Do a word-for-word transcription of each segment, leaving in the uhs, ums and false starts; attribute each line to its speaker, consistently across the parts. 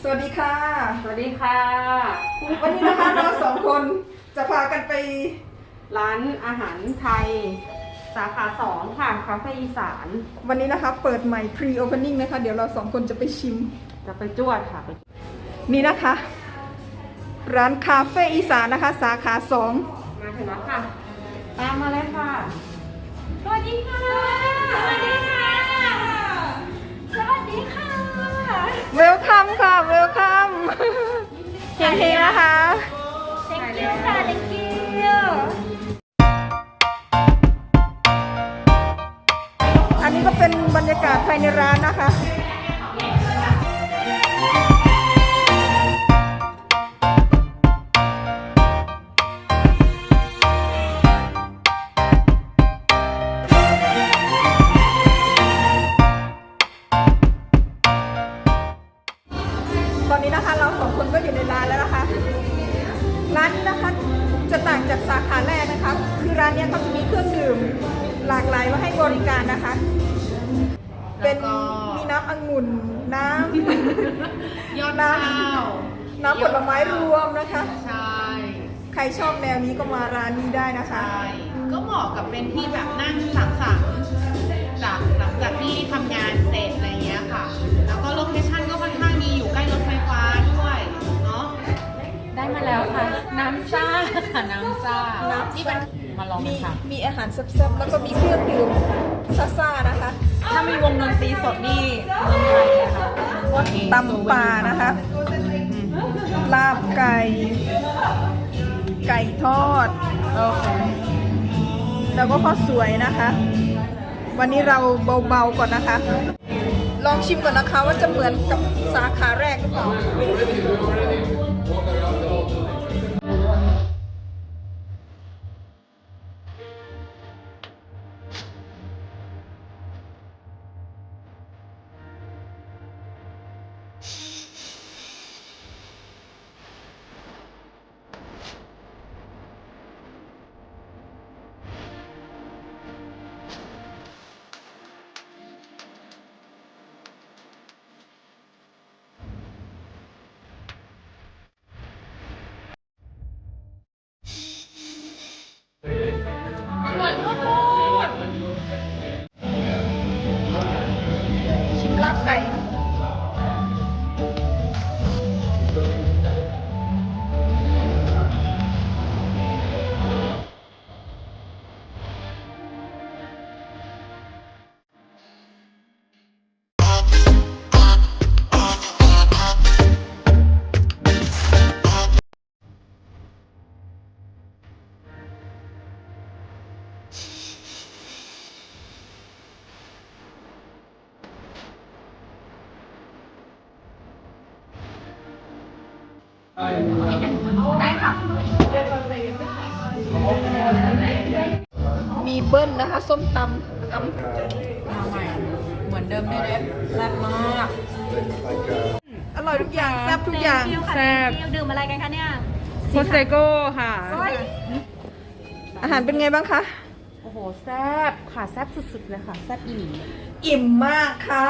Speaker 1: วัสดีค่ะ
Speaker 2: สวัสดีค่ะ
Speaker 1: วันนี้นะคะเราสองคนจะพากันไป
Speaker 2: ร้านอาหารไทย สาขาสองค่ะคาเฟ่อีสาน
Speaker 1: วันนี้นะคะเปิดใหม่ pre opening นะคะ เดี๋ยวเราสองคนจะไปชิม
Speaker 2: จะไปจวดค่ะไป
Speaker 1: นี่นะคะ ร้านคาเฟ่อีสานนะคะ สาขาสอง
Speaker 2: มาถึงแล้วค่ะ ตามมาเลยค่ะ สวัสดีค่ะ
Speaker 3: สวัสดีค่ะ สวัสดีค่ะ
Speaker 1: เวลคัมค่ะเวลคัมเฮงๆนะคะ
Speaker 3: thank you ค่ะ thank you
Speaker 1: อันนี้ก็เป็นบรรยากาศภายในร้านนะคะ ตอนนี้นะคะเราสองคนก็อยู่ในร้านแล้วนะคะ ร้านนี้นะคะจะต่างจากสาขาแรกนะคะ คือร้านนี้เขาจะมีเครื่องดื่มหลากหลายมาให้บริการนะคะ เป็นมีน้ำองุ่นน้ำ
Speaker 4: ยอด
Speaker 1: น้
Speaker 4: ข้าว
Speaker 1: ำน้ำผลไม้รวมนะคะ
Speaker 4: ใช่
Speaker 1: ใครชอบแนวนี้ก็มาร้านนี้ได้นะคะ
Speaker 4: ใช่ก็เหมาะกับเป็นที่แบบนั่งสังสรรค์จากหลังจากที่ทำงานเสร็จอะไรเงี้ยค่ะ แล้วก็โลเคชั่นก็ค่อนข้างดีอยู่ใกล้รถไฟฟ้าด้วยเนาะ
Speaker 3: ได้มาแล้วค่ะ น้ำซ่าค่ะน้ำซ่า
Speaker 1: น้ำซ่า
Speaker 3: นี่เป็นมาลอง
Speaker 1: มี
Speaker 3: กันค่ะ
Speaker 1: มีอาหารแซ่บๆแล้วก็มีเครื่องดื่มซ่าๆนะคะ
Speaker 3: ถ้ามีวงดนตรีสดนี่เมืองไทยนะคะ
Speaker 1: ตำป่านะคะ ลาบไก่ ไก่ทอด
Speaker 3: โอเค
Speaker 1: แล้วก็ข้าวสวยนะคะ วันนี้เราเบาๆก่อนนะคะ ลองชิมก่อนนะคะว่าจะเหมือนกับสาขาแรกหรือเปล่า ชิมลาบไก่ มีเบิ้ลนะคะ ส้มตำตำ
Speaker 3: มาใหม่ เหมือนเดิมด้วยเด็ดแซ่บมาก
Speaker 1: อร่อยทุกอย่างแซ่บทุกอย่าง
Speaker 3: แซ่บดื่มอะไรกันคะเนี่ย
Speaker 2: โคเซโก้ค่ะ
Speaker 1: อาหารเป็นไงบ้างคะ
Speaker 2: โอ้โห แซ่บค่ะ แซ่บสุดๆเลยค่ะ แซ่บอีหลี
Speaker 1: อิ่มมากค่ะ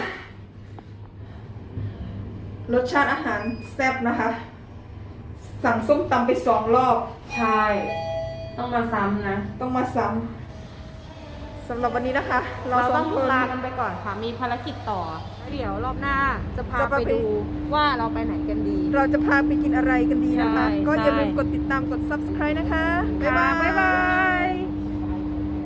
Speaker 1: รสชาติอาหารแซ่บนะคะ สั่งส้มตำไปสองรอบ
Speaker 2: ใช่ ต้องมาซ้ำนะ
Speaker 1: ต้องมาซ้ำสำหรับวันนี้นะคะ เรา
Speaker 2: เรา
Speaker 1: ส
Speaker 2: ต้
Speaker 1: อ
Speaker 2: อง ง
Speaker 1: คน
Speaker 2: ลากันไปก่อนค่ะ มีภารกิจต่อ เดี๋ยวรอบหน้าจะพา
Speaker 1: จะพา
Speaker 2: ไป
Speaker 1: ไป
Speaker 2: ดูว่าเราไปไหนกันดี
Speaker 1: เราจะพาไปกินอะไรกันดีนะคะ
Speaker 2: ใช่
Speaker 1: ก็อย่าลืม
Speaker 2: ใช่
Speaker 1: กดติดตามกด ซับสไครบ์ นะคะ บ๊าย
Speaker 2: ค่ะ
Speaker 1: บาย
Speaker 2: บ๊ายบาย